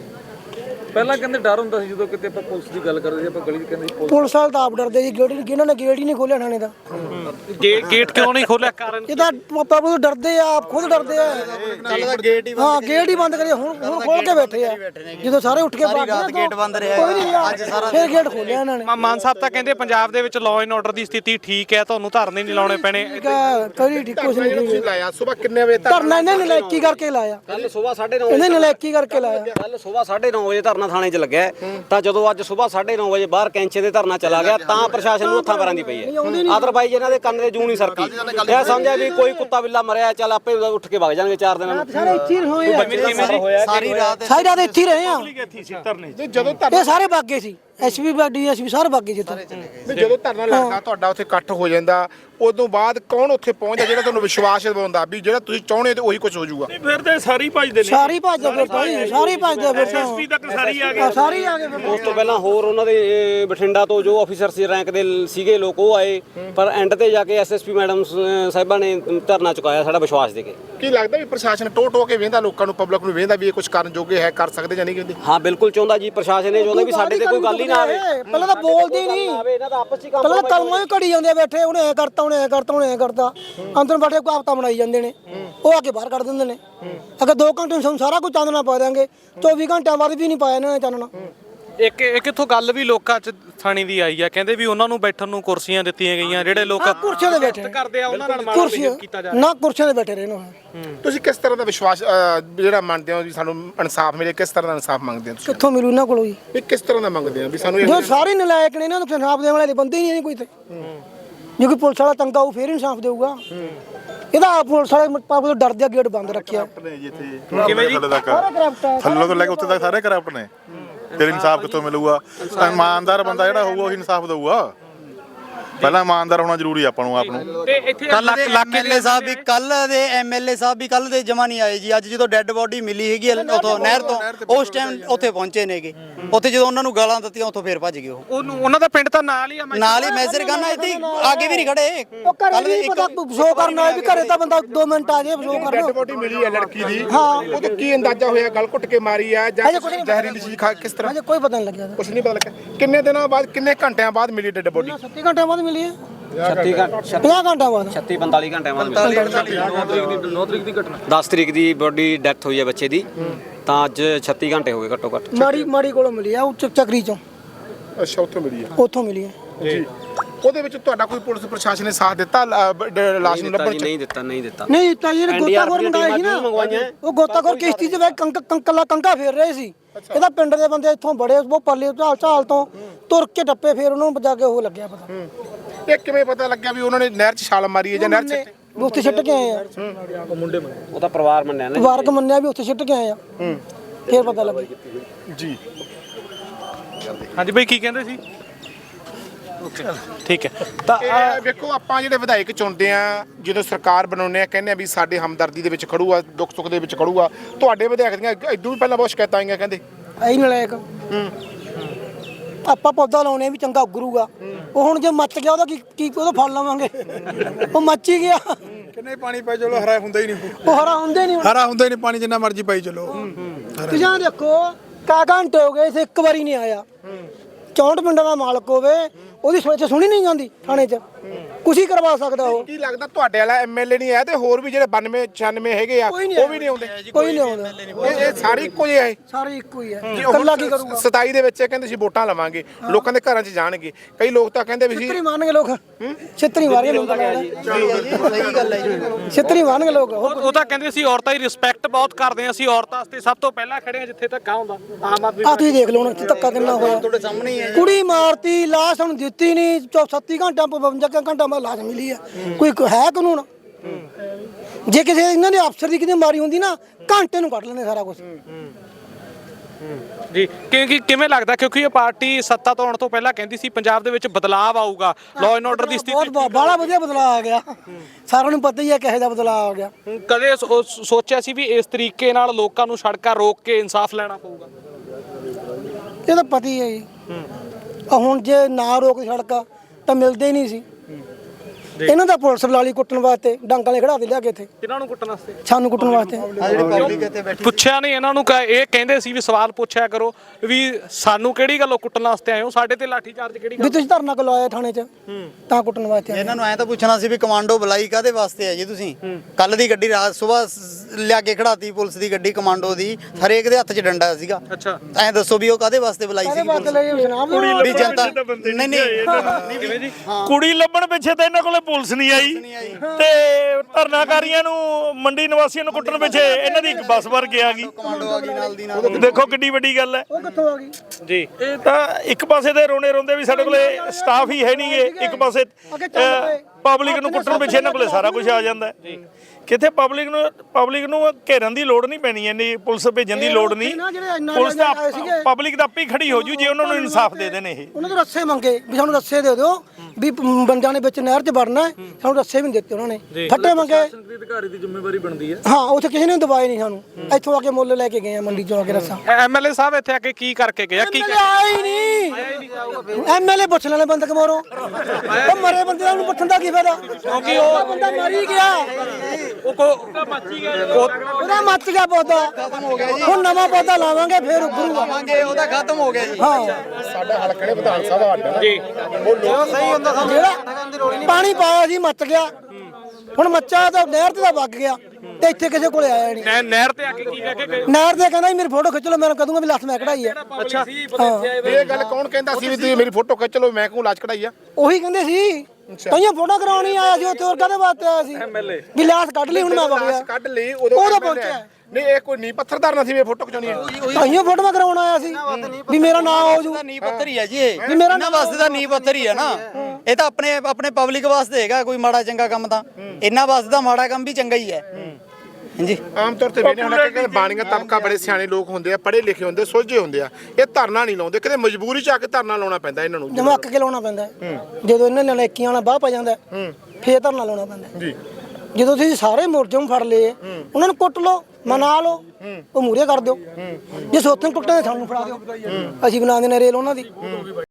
[SPEAKER 7] ਪਹਿਲਾਂ ਕਹਿੰਦੇ ਡਰ ਹੁੰਦਾ ਸੀ ਜਦੋਂ ਕਿਤੇ ਆਪਾਂ ਪੁਲਿਸ ਦੀ ਗੱਲ ਕਰਦੇ ਸੀ, ਆਪਾਂ ਗਲੀ 'ਚ ਕਹਿੰਦੇ ਸੀ ਪੁਲਿਸ।
[SPEAKER 2] ਪੁਲਿਸ ਵਾਲੇ ਤਾਂ ਆਪ ਡਰਦੇ ਜੀ, ਗੇਟ ਇਹਨਾਂ ਨੇ ਗੇਟ ਹੀ ਨਹੀਂ ਖੋਲਿਆ ਥਾਣੇ ਦਾ।
[SPEAKER 3] ਗੇ- ਗੇਟ ਕਿਉਂ ਨਹੀਂ ਖੋਲਿਆ? ਕਾਰਨ
[SPEAKER 2] ਇਹ ਤਾਂ ਪਾਪਾ ਉਹ ਡਰਦੇ ਆ, ਆਪ ਖੁਦ ਡਰਦੇ ਆ।
[SPEAKER 5] ਕੱਲ ਦਾ ਗੇਟ ਹੀ
[SPEAKER 2] ਹਾਂ ਗੇਟ ਹੀ ਬੰਦ ਕਰਿਆ, ਹੁਣ ਹੁਣ ਖੋਲ ਕੇ ਬੈਠੇ ਆ। ਜਦੋਂ ਸਾਰੇ ਉੱਠ ਕੇ ਬਾਹਰ
[SPEAKER 5] ਰਾਤ ਗੇਟ ਬੰਦ ਰਿਹਾ,
[SPEAKER 2] ਕੋਈ ਨਹੀਂ ਅੱਜ ਸਾਰਾ ਫਿਰ ਗੇਟ ਖੋਲਿਆ ਇਹਨਾਂ ਨੇ।
[SPEAKER 3] ਮਾ- ਮਾਨ ਸਾਹਿਬ ਤਾਂ ਕਹਿੰਦੇ ਪੰਜਾਬ ਦੇ ਵਿੱਚ ਲਾਅ ਐਂਡ ਆਰਡਰ ਦੀ ਸਥਿਤੀ ਠੀਕ ਹੈ, ਤੁਹਾਨੂੰ ਧਰਨੇ ਨਹੀਂ ਲਾਉਣੇ ਪੈਣੇ।
[SPEAKER 2] ਠੀਕ ਹੈ, ਕਰੀ ਠੀਕ ਕੁਛ ਨਹੀਂ
[SPEAKER 6] ਤੁਸੀਂ ਲਾਇਆ ਸਵੇਰ ਕਿੰਨੇ ਵਜੇ ਤੱਕ?
[SPEAKER 2] ਧਰਨਾ ਇਹਨੇ ਨਲਾਇਕੀ ਕਰਕੇ ਲਾਇਆ,
[SPEAKER 4] ਕੱਲ ਸਵੇਰ ਸਾਢੇ ਨੌ
[SPEAKER 2] ਇਹਨੇ ਨਲਾਇਕੀ ਕਰਕੇ ਲਾਇਆ।
[SPEAKER 4] ਕੱਲ ਸਵੇਰ ਸਾਢੇ ਨੌ ਵਜੇ ਧਰਨਾ ਥਾਣੇ 'ਚ ਲੱਗਿਆ ਹੈ, ਤਾਂ ਜਦੋਂ ਅੱਜ ਸਵੇਰ ਸਾਢੇ ਨੌ ਵਜੇ ਬਾਹਰ ਕੈਂਚੇ ਦੇ ਧਰਨਾ ਚਲਾ ਗਿਆ ਤਾਂ ਪ੍ਰਸ਼ਾਸਨ ਨੂੰ ਹੱਥਾਂ ਪੈਰਾਂ ਦੀ ਪਈ ਹੈ। ਅਦਰਵਾਈਜ਼ ਇਹਨਾਂ ਦੇ ਕੰਨ ਦੇ ਜੂੰ ਨਹੀਂ ਸਰਕੀ। ਇਹ ਸਮਝਿਆ ਵੀ ਕੋਈ ਕੁੱਤਾ ਬਿੱਲਾ ਮਰਿਆ, ਚੱਲ ਆਪੇ ਉੱਠ ਕੇ ਵਗ ਜਾਣਗੇ ਚਾਰ ਦਿਨਾਂ ਨੂੰ।
[SPEAKER 2] ਸਾਰੇ ਇੱਥੇ ਹੀ ਹੋਏ ਆ,
[SPEAKER 5] ਸਾਰੀ ਰਾਤ
[SPEAKER 2] ਸਾਰੀ ਰਾਤ ਇੱਥੇ ਹੀ ਰਹੇ ਆ।
[SPEAKER 6] ਤੇ ਜਦੋਂ ਧਰਨਾ
[SPEAKER 2] ਇਹ ਸਾਰੇ ਬਾਗੇ ਸੀ, ਐਸਪੀ ਬਾਡੀ ਐਸਪੀ ਸਾਰੇ ਬਾਗੇ ਜਿੱਥੇ।
[SPEAKER 6] ਤੇ ਜਦੋਂ ਧਰਨਾ ਲੱਗਦਾ ਤੁਹਾਡਾ ਉੱਥੇ ਇਕੱਠ ਹੋ ਜਾਂਦਾ, ਉਦੋਂ ਬਾਅਦ ਕੌਣ ਉੱਥੇ ਪਹੁੰਚਦਾ ਜਿਹੜਾ ਤੁਹਾਨੂੰ ਵਿਸ਼ਵਾਸ ਦਿਵਾਉਂਦਾ ਵੀ ਜਿਹੜਾ ਤੁਸੀਂ ਚਾਹੁੰਦੇ ਤੇ ਉਹੀ ਕੁਝ ਹੋ ਜਾਊਗਾ?
[SPEAKER 1] ਫਿਰ ਤਾਂ ਸਾਰੀ ਭਜਦੇ ਨੇ,
[SPEAKER 2] ਸਾਰੀ ਭੱਜਦੇ ਫਿਰ ਤਾਂ ਜੀ, ਸਾਰੀ ਭੱਜਦੇ ਫਿਰ ਤਾਂ।
[SPEAKER 1] ਐਸਪੀ ਤੱਕ ਸਾਰੀ ਆ ਗਏ।
[SPEAKER 2] ਆ ਸਾਰੀ ਆ ਗਏ ਫਿਰ।
[SPEAKER 4] ਉਸ ਤੋਂ ਪਹਿਲਾਂ ਹੋਰ ਉਹਨਾਂ ਦੇ ਇਹ, ਬਠਿੰਡਾ ਤੋਂ ਜੋ ਆਫੀਸਰ ਸੀ ਰੈਂਕ ਦੇ ਸੀਗੇ ਲੋਕ ਉਹ ਆਏ, ਪਰ ਐਂਡ ਤੇ ਜਾ ਕੇ ਐਸਐਸਪੀ ਮੈਡਮ ਸਾਹਿਬਾਂ ਨੇ ਧਰਨਾ ਚੁਕਾਇਆ ਸਾਡਾ ਵਿਸ਼ਵਾਸ ਦੇ ਕੇ।
[SPEAKER 6] ਕੀ ਲੱਗਦਾ ਵੀ ਪ੍ਰਸ਼ਾਸਨ ਟੋ ਟੋ ਕੇ ਵੇਂਦਾ ਲੋਕਾਂ ਨੂੰ, ਪਬਲਿਕ ਨੂੰ ਵੇਂਦਾ ਵੀ ਇਹ ਕੁਝ ਕਰਨ ਜੋਗੇ ਹੈ, ਕਰ ਸਕਦੇ ਜਾਂ ਨਹੀਂ ਕਹਿੰਦੇ?
[SPEAKER 4] ਹਾਂ ਬਿਲਕੁਲ ਚਾਹੁੰਦਾ ਜੀ, ਪ੍ਰਸ਼ਾਸਨ ਇਹ ਚਾਹੁੰਦਾ ਵੀ ਸਾਡੇ ਤੇ ਕੋਈ ਗੱਲ ਹੀ ਨਾ ਆਵੇ।
[SPEAKER 2] ਪਹਿਲਾਂ ਤਾਂ ਬੋਲਦੇ ਨਹੀਂ,
[SPEAKER 4] ਇਹਨਾਂ ਦਾ ਆਪਸ 'ਚ ਕੰਮ
[SPEAKER 2] ਪਹਿਲਾਂ ਕਲਮਾਂ ਹੀ ਘੜੀ ਜਾਂਦੇ ਬੈਠੇ, ਉਹਨੇ ਐ ਕਰਤਾ ਉਹਨੇ ਐ ਕਰਤਾ ਉਹਨੇ ਐ ਕਰਤਾ। ਅੰਦਰ ਬੈਠੇ ਕੋਈ ਆਪਤਾ ਬਣਾਈ ਜਾਂਦੇ ਨੇ, ਉਹ ਆ ਕੇ ਬਾਹਰ ਕੱਢ ਦਿੰਦੇ ਨੇ। ਅਗਰ ਦੋ ਘੰਟੇ ਨੂੰ ਸਾਨੂੰ ਸਾਰਾ ਕੁਝ ਚਾਨਣਾ ਪਾ ਦਿਆਂਗੇ, ਚੌਵੀ ਘੰਟਿਆਂ ਬਾਅਦ ਵੀ ਨਹੀਂ ਪਾਇਆ ਇਹਨਾਂ ਨੇ ਚਾਨਣਾ।
[SPEAKER 3] ਇੱਕ ਇੱਕ ਇੱਥੋਂ ਗੱਲ ਵੀ ਲੋਕਾਂ 'ਚ ਥਾਣੀ ਦੀ ਆਈ ਆ, ਕਹਿੰਦੇ ਵੀ ਉਹਨਾਂ ਨੂੰ ਬੈਠਣ ਨੂੰ ਕੁਰਸੀਆਂ ਦਿੱਤੀਆਂ ਗਈਆਂ, ਜਿਹੜੇ ਲੋਕ
[SPEAKER 2] ਹਾਂ ਕੁਰਸੀਆਂ ਤੇ ਬੈਠੇ
[SPEAKER 3] ਕਰਦੇ ਆ ਉਹਨਾਂ ਨਾਲ ਮਾੜਾ
[SPEAKER 2] ਕੁਰਸੀਆਂ
[SPEAKER 3] ਕੀਤਾ ਜਾ
[SPEAKER 2] ਨਾ, ਕੁਰਸੀਆਂ ਤੇ ਬੈਠੇ ਰਹੇ ਨੇ।
[SPEAKER 6] ਤੁਸੀਂ ਕਿਸ ਤਰ੍ਹਾਂ ਦਾ ਵਿਸ਼ਵਾਸ ਅਹ, ਜਿਹੜਾ ਮੰਨਦੇ ਹੋ ਵੀ ਸਾਨੂੰ ਇਨਸਾਫ ਮਿਲੇ, ਕਿਸ ਤਰ੍ਹਾਂ ਦਾ ਇਨਸਾਫ ਮੰਗਦੇ ਹੋ ਤੁਸੀਂ?
[SPEAKER 2] ਕਿੱਥੋਂ ਮਿਲੂ ਇਹਨਾਂ ਕੋਲੋਂ ਜੀ?
[SPEAKER 6] ਵੀ ਕਿਸ ਤਰ੍ਹਾਂ ਦਾ ਮੰਗਦੇ ਆ ਵੀ ਸਾਨੂੰ ਇਹ-
[SPEAKER 2] ਜੋ ਸਾਰੇ ਨਲਾਇਕ ਨੇ, ਇਹਨਾਂ ਨੂੰ ਇਨਸਾਫ ਦੇਣ ਵਾਲੇ ਬੰਦੇ ਹੀ ਨਹੀਂ ਕੋਈ ਤੇ। ਜੇ ਕੋਈ ਪੁਲਿਸ ਵਾਲਾ ਤੰਗਾ ਹੋਊ ਫੇਰ ਇਨਸਾਫ ਦੇਊਗਾ। ਇਹਦਾ ਆਪ ਪੁਲਿਸ ਵਾਲੇ ਪਾਪੇ ਡਰਦੇ ਗੇਟ ਬੰਦ ਰੱਖਿਆ।
[SPEAKER 8] ਕਿਵੇਂ ਜੀ ਥੱਲੋਂ ਤੋਂ ਲੈ ਕੇ ਉੱਤੇ ਤੱਕ ਸਾਰੇ ਕਰਪਟ ਨੇ। ਫਿਰ ਇਨਸਾਫ ਕਿੱਥੋਂ ਮਿਲੂਗਾ? ਇਮਾਨਦਾਰ ਬੰਦਾ ਜਿਹੜਾ ਹੋਊਗਾ ਉਹੀ ਇਨਸਾਫ ਦੇਊਗਾ। ਪਹਿਲਾਂ ਇਮਾਨਦਾਰ ਹੋਣਾ ਜ਼ਰੂਰੀ ਆਪਾਂ ਨੂੰ ਆਪ ਨੂੰ।
[SPEAKER 3] ਤੇ ਇੱਥੇ
[SPEAKER 5] ਕੱਲ ਦੇ ਐਮਐਲਏ ਸਾਹਿਬ ਵੀ ਕੱਲ ਦੇ ਐਮਐਲਏ ਸਾਹਿਬ ਵੀ ਕੱਲ ਦੇ ਜਮਾ ਨਹੀਂ ਆਏ ਜੀ। ਅੱਜ ਜਦੋਂ ਡੈੱਡ ਬੋਡੀ ਮਿਲੀ ਹੈਗੀ ਉਥੋਂ ਨਹਿਰ ਤੋਂ, ਉਸ ਟਾਈਮ ਉੱਥੇ ਪਹੁੰਚੇ ਨੇਗੇ। ਉੱਥੇ ਜਦੋਂ ਉਹਨਾਂ ਨੂੰ ਗਾਲਾਂ ਦਿੱਤੀਆਂ ਉੱਥੋਂ ਫੇਰ ਭੱਜ ਗਏ ਉਹ।
[SPEAKER 3] ਉਹਨੂੰ ਉਹਨਾਂ ਦਾ ਪਿੰਡ ਤਾਂ ਨਾਲ ਹੀ ਆ।
[SPEAKER 5] ਨਾਲ ਹੀ ਮੈਸੇਜ ਕਰਨਾ, ਇੱਥੇ ਆਗੇ ਵੀ ਨਹੀਂ ਖੜੇ।
[SPEAKER 2] ਉਹ ਘਰੇ ਵੀ ਪਤਾ ਸ਼ੋਅ ਕਰਨ ਆਏ ਵੀ ਘਰੇ ਤਾਂ ਬੰਦਾ ਦੋ ਮਿੰਟ ਆ ਜਾਏ ਸ਼ੋਅ
[SPEAKER 6] ਡੈਡ
[SPEAKER 2] ਕਰਨ।
[SPEAKER 6] ਬੋਡੀ ਮਿਲੀ ਹੈ ਲੜਕੀ ਦੀ, ਉਹ ਤੋਂ ਕੀ ਅੰਦਾਜ਼ਾ ਹੋਇਆ? ਗਲ ਘੁੱਟ ਕੇ ਮਾਰੀ ਆ ਜਾਂ ਜ਼ਹਿਰੀਲੀ ਚੀਜ਼ ਖਾ ਕਿਸ ਤਰ੍ਹਾਂ?
[SPEAKER 2] ਅਜੇ ਕੋਈ ਪਤਾ ਨਹੀਂ ਲੱਗਿਆ।
[SPEAKER 6] ਕੁਝ ਨਹੀਂ ਪਤਾ ਲੱਗਾ। ਕਿੰਨੇ ਦਿਨਾਂ ਬਾਅਦ, ਕਿੰਨੇ ਘੰਟਿਆਂ ਬਾਅਦ ਮਿਲੀ ਡੈਡ ਬੋਡੀ?
[SPEAKER 2] ਛੱਤੀ ਘੰਟਿਆਂ ਬਾਅਦ ਮਿਲੀ ਹੈ,
[SPEAKER 4] ਛੱਤੀ ਘੰਟੇ
[SPEAKER 2] ਪੰਜਾਹ ਘੰਟਿਆਂ ਬਾਅਦ।
[SPEAKER 4] ਛੱਤੀ ਪੰਤਾਲੀ ਘੰਟਿਆਂ ਬਾਅਦ ਮਿਲੀ।
[SPEAKER 7] ਨੌ ਤਰੀਕ ਦੀ ਘਟਨਾ।
[SPEAKER 4] ਦਸ ਤਰੀਕ ਦੀ ਬੋਡੀ ਡੈਥ ਹੋਈ ਹੈ ਬੱਚੇ ਦੀ, ਤਾਂ ਅੱਜ ਛੱਤੀ ਘੰਟੇ ਹੋ ਗਏ ਘੱਟੋ ਘੱਟ।
[SPEAKER 2] ਮਾੜੀ ਮਾੜੀ ਕੋਲੋਂ ਮਿਲੀ ਆ, ਉਹ ਚ- ਚੱਕਰੀ ਚੋਂ
[SPEAKER 6] ਅੱਛਾ, ਉੱਥੋਂ ਮਿਲੀ ਹੈ
[SPEAKER 2] ਉੱਥੋਂ ਮਿਲੀ ਹੈ
[SPEAKER 6] ਜੀ। ਉਹਦੇ ਵਿੱਚ ਤੁਹਾਡਾ ਕੋਈ ਪੁਲਿਸ ਪ੍ਰਸ਼ਾਸਨ ਨੇ ਸਾਥ ਦਿੱਤਾ ਲ- ਬ- ਡ- ਲਾਸ਼ ਨੂੰ ਲੱਭਣ ਚ?
[SPEAKER 4] ਨਹੀਂ ਦਿੱਤਾ ਨਹੀਂ ਦਿੱਤਾ
[SPEAKER 2] ਨਹੀਂ ਤਾਂ ਇਹਨੇ ਗੋਤਾਖੋਰ ਮੰਗਾਏ ਸੀ ਨਾ,
[SPEAKER 4] ਮੰਗਵਾਈਆਂ।
[SPEAKER 2] ਉਹ ਗੋਤਾਖੋਰ ਕਿਸ਼ਤੀ 'ਚ ਬੈ ਕੰਕ ਕੰਕਲਾ ਕੰਕਾ ਫੇਰ ਰਹੇ ਸੀ। ਇਹਦਾ ਪਿੰਡ ਦੇ ਬੰਦੇ ਇੱਥੋਂ ਬੜੇ ਉਹ ਪਰਲੇ ਝਾਲ ਝਾਲ ਤੋਂ ਤੁਰ ਕੇ ਟੱਪੇ, ਫੇਰ ਉਹਨੂੰ ਬਚਾ ਕੇ ਉਹ ਲੱਗਿਆ ਪਤਾ।
[SPEAKER 6] ਇਹ ਕਿਵੇਂ ਪਤਾ ਲੱਗਿਆ ਵੀ ਉਹਨਾਂ ਨੇ ਨਹਿਰ 'ਚ ਛਾਲ ਮਾਰੀ ਹੈ ਜਾਂ ਨਹਿਰ 'ਚ?
[SPEAKER 2] ਵੀ ਉੱਥੇ ਛੱਟ ਕੇ ਆਏ ਆ,
[SPEAKER 4] ਉਹ ਤਾਂ ਪਰਿਵਾਰ ਮੰਨਿਆ ਨਾ।
[SPEAKER 2] ਵਾਰਕ ਮੰਨਿਆ ਵੀ ਉੱਥੇ ਛੱਟ ਕੇ ਆਏ ਆ, ਫੇਰ ਪਤਾ ਲੱਗਿਆ
[SPEAKER 6] ਜੀ।
[SPEAKER 3] ਹਾਂਜੀ ਬਈ ਕੀ ਕਹਿੰਦੇ ਸੀ? ਠੀਕ ਹੈ। ਤਾਂ
[SPEAKER 6] ਇਹ ਵੇਖੋ, ਆਪਾਂ ਜਿਹੜੇ ਵਿਧਾਇਕ ਚੁਣਦੇ ਆ, ਜਦੋਂ ਸਰਕਾਰ ਬਣਾਉਂਦੇ ਆ, ਕਹਿੰਦੇ ਆ ਵੀ ਸਾਡੇ ਹਮਦਰਦੀ ਦੇ ਵਿੱਚ ਖੜੂਗਾ, ਦੁੱਖ ਸੁੱਖ ਦੇ ਵਿੱਚ ਖੜੂਗਾ। ਤੁਹਾਡੇ ਵਿਧਾਇਕ ਦੀਆਂ ਇਦੋਂ ਵੀ ਪਹਿਲਾਂ ਬਹੁਤ ਸ਼ਿਕਾਇਤਾਂ ਆਈਆਂ, ਕਹਿੰਦੇ
[SPEAKER 2] ਐ ਨਲਾਇਕ। ਆਪਾਂ ਪੌਦਾ ਲਾਉਣੇ ਵੀ ਚੰਗਾ ਉਗਰੂਗਾ, ਉਹ ਹੁਣ ਜੇ ਮੱਚ ਗਿਆ ਉਹਦਾ ਕੀ ਕੀ ਉਹਦਾ ਫਲ ਲਵਾਂਗੇ? ਉਹ ਮੱਚ ਹੀ ਗਿਆ।
[SPEAKER 9] ਕਿੰਨੇ ਪਾਣੀ ਪਾਈ ਚਲੋ, ਹਰਾ ਹੁੰਦਾ ਹੀ ਨਹੀਂ।
[SPEAKER 2] ਉਹ ਹਰਾ ਹੁੰਦੇ ਨਹੀਂ।
[SPEAKER 9] ਹਰਾ ਹੁੰਦਾ ਹੀ ਨਹੀਂ ਪਾਣੀ, ਜਿੰਨਾ ਮਰਜ਼ੀ ਪਾਈ ਚਲੋ।
[SPEAKER 2] ਤੁਸੀਂ ਦੇਖੋ ਕਾ ਘੰਟੇ ਹੋ ਗਏ ਇਥੇ ਇੱਕ ਵਾਰੀ ਨਹੀਂ ਆਇਆ। ਚੌਂਹਠ ਪਿੰਡਾਂ ਦਾ ਮਾਲਕ ਹੋਵੇ ਉਹਦੀ ਸੋਚ ਸੁਣੀ ਨਹੀਂ ਜਾਂਦੀ ਥਾਣੇ 'ਚ, ਕੁਛ ਹੀ ਕਰਵਾ ਸਕਦਾ ਉਹ।
[SPEAKER 6] ਕੀ ਲੱਗਦਾ ਤੁਹਾਡੇ ਵਾਲਾ ਐਮਐਲਏ ਨਹੀਂ ਆਇਆ ਤੇ ਹੋਰ ਵੀ ਜਿਹੜੇ ਬਾਨਵੇਂ ਛਿਆਨਵੇਂ ਹੈਗੇ ਆ ਉਹ ਵੀ ਨਹੀਂ ਆਉਂਦੇ?
[SPEAKER 2] ਕੋਈ ਨਹੀਂ ਆਉਂਦਾ,
[SPEAKER 6] ਇਹ ਇਹ ਸਾਰੇ ਇੱਕੋ ਜਿਹੇ ਆਏ
[SPEAKER 2] ਸਾਰੇ ਇੱਕੋ ਹੀ ਹੈ।
[SPEAKER 6] ਜੀ।
[SPEAKER 2] ਇਕੱਲਾ ਕੀ ਕਰੂਗਾ?
[SPEAKER 6] ਸਤਾਈ ਦੇ ਵਿੱਚ ਇਹ ਕਹਿੰਦੇ ਸੀ ਵੋਟਾਂ ਲਵਾਂਗੇ, ਲੋਕਾਂ ਦੇ ਘਰਾਂ 'ਚ ਜਾਣਗੇ। ਕਈ ਲੋਕ ਤਾਂ ਕਹਿੰਦੇ ਵੀ ਸੀ
[SPEAKER 2] ਛਿੱਤਰੀ ਮਾਰਨਗੇ ਲੋਕ, ਛਿੱਤਰੀ ਮਾਰਨਗੇ ਲੋਕ,
[SPEAKER 5] ਸਹੀ ਗੱਲ ਹੈ ਜੀ।
[SPEAKER 2] ਛਿੱਤਰੀ ਮਾਰਨਗੇ ਲੋਕ। ਹੋਰ
[SPEAKER 3] ਉਹ ਤਾਂ ਕਹਿੰਦੇ ਸੀ ਔਰਤਾਂ ਦੀ ਰਿਸਪੈਕਟ ਬਹੁਤ ਕਰਦੇ ਆ, ਅਸੀਂ ਔਰਤਾਂ ਵਾਸਤੇ ਸਭ ਤੋਂ ਪਹਿਲਾਂ ਖੜੇ ਆ ਜਿੱਥੇ ਧੱਕਾ ਹੁੰਦਾ। ਆਮ ਆਦਮੀ
[SPEAKER 2] ਆ ਤੁਸੀਂ ਦੇਖ ਲਓ ਹੁਣ ਧੱਕਾ ਕਿੰਨਾ ਹੋਇਆ।
[SPEAKER 5] ਤੁਹਾਡੇ ਸਾਹਮਣੇ ਹੀ ਹੈ।
[SPEAKER 2] ਕੁੜੀ ਮਾਰਤੀ, ਲਾਸ਼ ਹੁਣ ਦਿੱਤੀ ਨਹੀਂ, ਸੱਤੀ ਘੰਟਾ ਬਵੰਜਾ ਘੰਟਾ ਬਾਅਦ ਲਾਸ਼ ਮਿਲੀ ਆ। ਕੋਈ ਹੈ ਕਾਨੂੰਨ? ਜੇ ਕਿਸੇ ਇਹਨਾਂ ਦੇ ਅਫਸਰ ਦੀ ਕਿਤੇ ਮਾਰੀ ਹੁੰਦੀ ਨਾ ਘੰਟੇ ਨੂੰ ਕੱਢ ਲੈਂਦੇ ਸਾਰਾ ਕੁਝ।
[SPEAKER 3] ਜੀ ਕਿਉਂਕਿ ਕਿਵੇਂ ਲੱਗਦਾ, ਕਿਉਂਕਿ ਇਹ ਪਾਰਟੀ ਸੱਤਾ ਤੋਂ ਆਉਣ ਤੋਂ ਪਹਿਲਾਂ ਕਹਿੰਦੀ ਸੀ ਪੰਜਾਬ ਦੇ ਵਿੱਚ ਬਦਲਾਅ ਆਊਗਾ, ਲਾਅ ਐਂਡ ਆਰਡਰ ਦੀ ਸਥਿਤੀ
[SPEAKER 2] ਬਹੁਤ ਬਾਲਾ ਵਧੀਆ ਬਦਲਾਅ ਆ ਗਿਆ। ਸਾਰਿਆਂ ਨੂੰ ਪਤਾ ਹੀ ਹੈ ਕਿਹੋ ਜਿਹਾ ਬਦਲਾਅ ਆ ਗਿਆ।
[SPEAKER 3] ਕਦੇ ਸੋ- ਸੋਚਿਆ ਸੀ ਵੀ ਇਸ ਤਰੀਕੇ ਨਾਲ ਲੋਕਾਂ ਨੂੰ ਸੜਕਾਂ ਰੋਕ ਕੇ ਇਨਸਾਫ ਲੈਣਾ ਪਊਗਾ?
[SPEAKER 2] ਇਹ ਤਾਂ ਪਤਾ ਹੀ ਹੈ ਜੀ। ਆ ਹੁਣ ਜੇ ਨਾ ਰੋਕ ਸੜਕਾਂ ਤਾਂ ਮਿਲਦੇ ਹੀ ਨਹੀਂ ਸੀ। ਇਹਨਾਂ ਦਾ ਪੁਲਿਸ ਬੁਲਾ ਲਈ ਕੁੱਟਣ ਵਾਸਤੇ, ਡਾਂਗਾਂ ਲੈ ਖੜਾ ਦੇ ਲਿਆ ਕੇ ਇੱਥੇ
[SPEAKER 3] ਕਿਹਨਾਂ ਨੂੰ ਕੁੱਟਣ ਵਾਸਤੇ?
[SPEAKER 2] ਸਾਨੂੰ ਕੁੱਟਣ ਵਾਸਤੇ।
[SPEAKER 5] ਪਬਲਿਕ ਇੱਥੇ ਬੈਠੀ
[SPEAKER 3] ਪੁੱਛਿਆ ਨਹੀਂ ਇਹਨਾਂ ਨੂੰ? ਕ- ਇਹ ਕਹਿੰਦੇ ਸੀ ਵੀ ਸਵਾਲ ਪੁੱਛਿਆ ਕਰੋ ਵੀ ਸਾਨੂੰ ਕਿਹੜੀ ਗੱਲੋਂ ਕੁੱਟਣ ਵਾਸਤੇ ਆਏ ਹੋ, ਸਾਡੇ ਤੇ ਲਾਠੀ ਚਾਰਜ ਕਿਹੜੀ
[SPEAKER 2] ਵੀ
[SPEAKER 3] ਗੱਲ?
[SPEAKER 2] ਤੁਸੀਂ ਧਰਨਾ ਕਿਉਂ ਲਾਇਆ ਥਾਣੇ 'ਚ? ਤਾਂ ਕੁੱਟਣ ਵਾਸਤੇ ਆਏ।
[SPEAKER 5] ਇਹਨਾਂ ਨੂੰ ਐ ਤਾਂ ਪੁੱਛਣਾ ਸੀ ਵੀ ਕਮਾਂਡੋ ਬੁਲਾਈ ਕਾਦੇ ਵਾਸਤੇ ਹੈ ਜੀ ਤੁਸੀਂ? ਕੱਲ ਦੀ ਗੱਡੀ ਰਾਤ ਸਵੇਰ ਲਿਆ ਕੇ ਖੜਾਤੀ ਪੁਲਿਸ ਦੀ ਗੱਡੀ ਕਮਾਂਡੋ ਦੀ, ਹਰੇਕ ਦੇ ਹੱਥ 'ਚ ਡੰਡਾ ਸੀਗਾ।
[SPEAKER 3] ਅੱਛਾ,
[SPEAKER 5] ਐ ਦੱਸੋ ਵੀ ਉਹ ਕਾਦੇ ਵਾਸਤੇ ਬੁਲਾਈ ਸੀ?
[SPEAKER 2] ਬਾਤ ਲਈ ਜਨਾਬ
[SPEAKER 5] ਵੀ ਜਨਤਾ ਨਹੀਂ ਨਹੀਂ
[SPEAKER 1] ਕੁੜੀ ਲੱਭਣ ਪਿੱਛੇ ਤਾਂ ਇਹਨਾਂ ਕੋਲੇ ਪੁਲਿਸ ਨਹੀਂ ਆਈ ਤੇ ਧਰਨਾਕਾਰੀਆਂ ਨੂੰ, ਮੰਡੀ ਨਿਵਾਸੀਆਂ ਨੂੰ ਕੁੱਟਣ ਪਿੱਛੇ ਇਹਨਾਂ ਦੀ ਇੱਕ ਬੱਸ ਵਰ ਗਿਆ ਗਈ।
[SPEAKER 5] ਕਮਾਂਡੋ ਆ ਗਈ ਨਾਲ ਦੀ ਨਾਲ।
[SPEAKER 1] ਦੇਖੋ ਕਿੱਡੀ ਵੱਡੀ ਗੱਲ ਹੈ।
[SPEAKER 2] ਉਹ ਕਿੱਥੋਂ ਆ ਗਈ?
[SPEAKER 3] ਜੀ
[SPEAKER 1] ਇਹ ਤਾਂ ਇੱਕ ਪਾਸੇ ਤੇ ਰੋਣੇ ਰੋਂਦੇ ਵੀ ਸਾਡੇ ਕੋਲੇ ਸਟਾਫ ਹੀ ਹੈ ਨਹੀਂਗੇ, ਇੱਕ ਪਾਸੇ ਪਬਲਿਕ ਨੂੰ ਕੁੱਟਣ ਪਿੱਛੇ ਇਹਨਾਂ ਕੋਲੇ ਸਾਰਾ ਕੁਝ ਆ ਜਾਂਦਾ ਹੈ। ਕਿਤੇ ਪਬਲਿਕ ਨੂੰ ਪਬਲਿਕ ਨੂੰ ਘੇਰਨ ਦੀ ਲੋੜ ਨਹੀਂ ਪੈਣੀ, ਇੰਨੀ ਪੁਲਿਸ ਭੇਜਣ ਦੀ ਲੋੜ ਨਹੀਂ। ਪੁਲਿਸ ਤਾਂ ਪਬਲਿਕ ਤਾਂ ਆਪੇ ਹੀ ਖੜੀ ਹੋ ਜੂ ਜੇ ਉਹਨਾਂ ਨੂੰ ਇਨਸਾਫ ਦੇ ਦੇਣ। ਇਹ
[SPEAKER 2] ਉਹਨਾਂ ਤੋਂ ਰੱਸੇ ਮੰਗੇ ਵੀ ਸਾਨੂੰ ਰੱਸੇ ਦੇ ਦਿਓ, ਵੀ ਬੰਦਿਆਂ ਨੇ ਵਿੱਚ ਨਹਿਰ 'ਚ ਵੜਨਾ ਹੈ, ਸਾਨੂੰ ਰੱਸੇ ਵੀ ਨਹੀਂ ਦਿੱਤੇ ਉਹਨਾਂ ਨੇ। ਫੱਟੇ ਮੰਗੇ।
[SPEAKER 7] ਦੀ ਅਧਿਕਾਰੀ ਦੀ ਜ਼ਿੰਮੇਵਾਰੀ ਬਣਦੀ ਹੈ।
[SPEAKER 2] ਹਾਂ ਉੱਥੇ ਕਿਸੇ ਨੇ ਦਵਾਈ ਨਹੀਂ ਸਾਨੂੰ, ਇੱਥੋਂ ਆ ਕੇ ਮੁੱਲ ਲੈ ਕੇ ਗਏ ਆ ਮੰਡੀ 'ਚੋਂ ਆ ਕੇ ਰੱਸਾ।
[SPEAKER 3] ਐਮਐਲਏ ਸਾਹਿਬ ਇੱਥੇ ਆ ਕੇ ਕੀ ਕਰਕੇ ਗਿਆ? ਕੀ
[SPEAKER 2] ਆਇਆ ਹੀ ਨਹੀਂ। ਐਮਐਲਏ ਪੁੱਛ ਲੈਣੇ ਬੰਦ ਕਮੋਰੋਂ, ਉਹ ਮਰੇ ਬੰਦੇ ਦਾ ਉਹਨੂੰ ਪੁੱਛਣ ਦਾ ਕੀ ਫਾਇਦਾ? ਕਿਉਂਕਿ ਉਹ ਬੰਦਾ ਮਰ ਹੀ ਗਿਆ।
[SPEAKER 3] ਉਹ ਕੋ ਮੱਚੀ ਗਿਆ,
[SPEAKER 2] ਉਹਦਾ ਮੱਚ ਗਿਆ ਪੌਦਾ, ਹੁਣ ਨਵਾਂ ਪੌਦਾ ਲਾਵਾਂਗੇ ਫੇਰ ਉੱਭਰੂਗਾ।
[SPEAKER 5] ਉਹਦਾ ਖਤਮ ਹੋ ਗਿਆ ਜੀ।
[SPEAKER 2] ਹਾਂ
[SPEAKER 6] ਸਾਡਾ ਹਲਕਾ ਨੇ ਵਿਧਾਨ ਸਭਾ ਅੱਡਾ
[SPEAKER 3] ਜੀ
[SPEAKER 2] ਸਹੀ ਹੁੰਦਾ। ਜਿਹੜਾ ਪਾਣੀ ਪਾਇਆ ਸੀ ਮੱਚ ਗਿਆ, ਹੁਣ ਮੱਚਾ ਤਾਂ ਨਹਿਰ ਤੇ ਤਾਂ ਵਗ ਗਿਆ ਤੇ ਇੱਥੇ ਕਿਸੇ ਕੋਲੇ ਆਇਆ ਨਹੀਂ।
[SPEAKER 3] ਨਹਿ- ਨਹਿਰ ਤੇ ਆ ਕੇ ਕੀ ਕਹਿ ਕੇ ਗਏ?
[SPEAKER 2] ਨਹਿਰ ਤੇ ਕਹਿੰਦਾ ਸੀ ਮੇਰੀ ਫੋਟੋ ਖਿੱਚ ਲਓ, ਮੈਂ ਕਹਦੂੰਗਾ ਵੀ ਲੱਖ ਮੈਂ ਕਢਾਈ ਹੈ।
[SPEAKER 3] ਅੱਛਾ,
[SPEAKER 6] ਇਹ ਗੱਲ ਕੌਣ ਕਹਿੰਦਾ ਸੀ ਵੀ ਤੁਸੀਂ ਮੇਰੀ ਫੋਟੋ ਖਿੱਚ ਲਓ ਮੈਂ ਕਿਉਂ ਲਾਜ ਕਢਾਈ ਆ?
[SPEAKER 2] ਉਹੀ ਕਹਿੰਦੇ ਸੀ ਤਾਈਆਂ ਫੋਟੋ ਕਰਾਉਣੀ ਆਇਆ ਸੀ ਉੱਥੇ, ਹੋਰ ਕਾਹਦੇ ਵਾਸਤੇ ਆਇਆ ਸੀ? ਵੀ ਲਾਸ਼ ਕੱਢ ਲਈ, ਹੁਣ ਮੈਂ ਵਗ ਗਿਆ।
[SPEAKER 6] ਕੱਢ ਲਈ ਉਦੋਂ
[SPEAKER 2] ਉਦੋਂ
[SPEAKER 6] M L A
[SPEAKER 2] ਪਹੁੰਚਿਆ।
[SPEAKER 6] ਨਹੀਂ ਇਹ ਕੋਈ ਨੀ ਪੱਥਰ ਧਰਨਾ ਸੀ, ਮੇਰੀ ਫੋਟੋ ਖਿਚਾਉਣੀ ਹੈ।
[SPEAKER 2] ਤਾਈਆਂ ਫੋਟੋਆਂ ਕਰਾਉਣ ਆਇਆ ਸੀ ਵੀ ਮੇਰਾ ਨਾਮ ਹੋ ਜੂ।
[SPEAKER 5] ਨੀ ਪੱਥਰ ਹੀ ਹੈ ਜੀ ਇਹ, ਵੀ ਮੇਰਾ ਇਹਨਾਂ ਵਾਸਤੇ ਤਾਂ ਨੀ ਪੱਥਰ ਹੀ ਹੈ ਨਾ। ਇਹ ਤਾਂ ਆਪਣੇ ਆਪਣੇ ਪਬਲਿਕ ਵਾਸਤੇ ਹੈਗਾ ਕੋਈ ਮਾੜਾ ਚੰਗਾ ਕੰਮ ਤਾਂ, ਇਹਨਾਂ ਵਾਸਤੇ ਤਾਂ ਮਾੜਾ ਕੰਮ ਵੀ ਚੰਗਾ ਹੀ ਹੈ। ਹਾਂਜੀ
[SPEAKER 6] ਆਮ ਤੌਰ ਤੇ ਵੇਖਦੇ ਹੁਣ ਕਿ ਬਾਣੀਆਂ ਤਬਕਾ ਬੜੇ ਸਿਆਣੇ ਲੋਕ ਹੁੰਦੇ ਆ, ਪੜ੍ਹੇ ਲਿਖੇ ਹੁੰਦੇ, ਸੁਲਝੇ ਹੁੰਦੇ ਆ, ਇਹ ਧਰਨਾ ਨਹੀਂ ਲਾਉਂਦੇ, ਕਿਤੇ ਮਜਬੂਰੀ ਚ ਆ ਕੇ ਧਰਨਾ ਲਾਉਣਾ ਪੈਂਦਾ ਇਹਨਾਂ ਨੂੰ।
[SPEAKER 2] ਜਮਾ ਅੱਕ ਕੇ ਲਾਉਣਾ ਪੈਂਦਾ ਹੈ। ਜਦੋਂ ਇਹਨਾਂ ਨੇ ਲੇਕੀਆਂ ਵਾਲਾ ਬਾਹ ਪੈ ਜਾਂਦਾ ਹੈ, ਫੇਰ ਧਰਨਾ ਲਾਉਣਾ ਪੈਂਦਾ ਹੈ।
[SPEAKER 6] ਜੀ
[SPEAKER 2] ਜਦੋਂ ਤੁਸੀਂ ਸਾਰੇ ਮੁਰਜਮ ਫੜ ਲਏ, ਉਹਨਾਂ ਨੂੰ ਕੁੱਟ ਲਓ, ਮਨਾ ਲਓ, ਉਹ ਮੂਰੇ ਕਰ ਦਿਓ। ਜੇ ਸੋਥਨ ਕੁੱਟਾਂ ਸਾਨੂੰ ਫੜਾ ਦਿਓ, ਅਸੀਂ ਬਣਾ ਦੇਣਾ ਰੇਲ ਉਹਨਾਂ ਦੀ।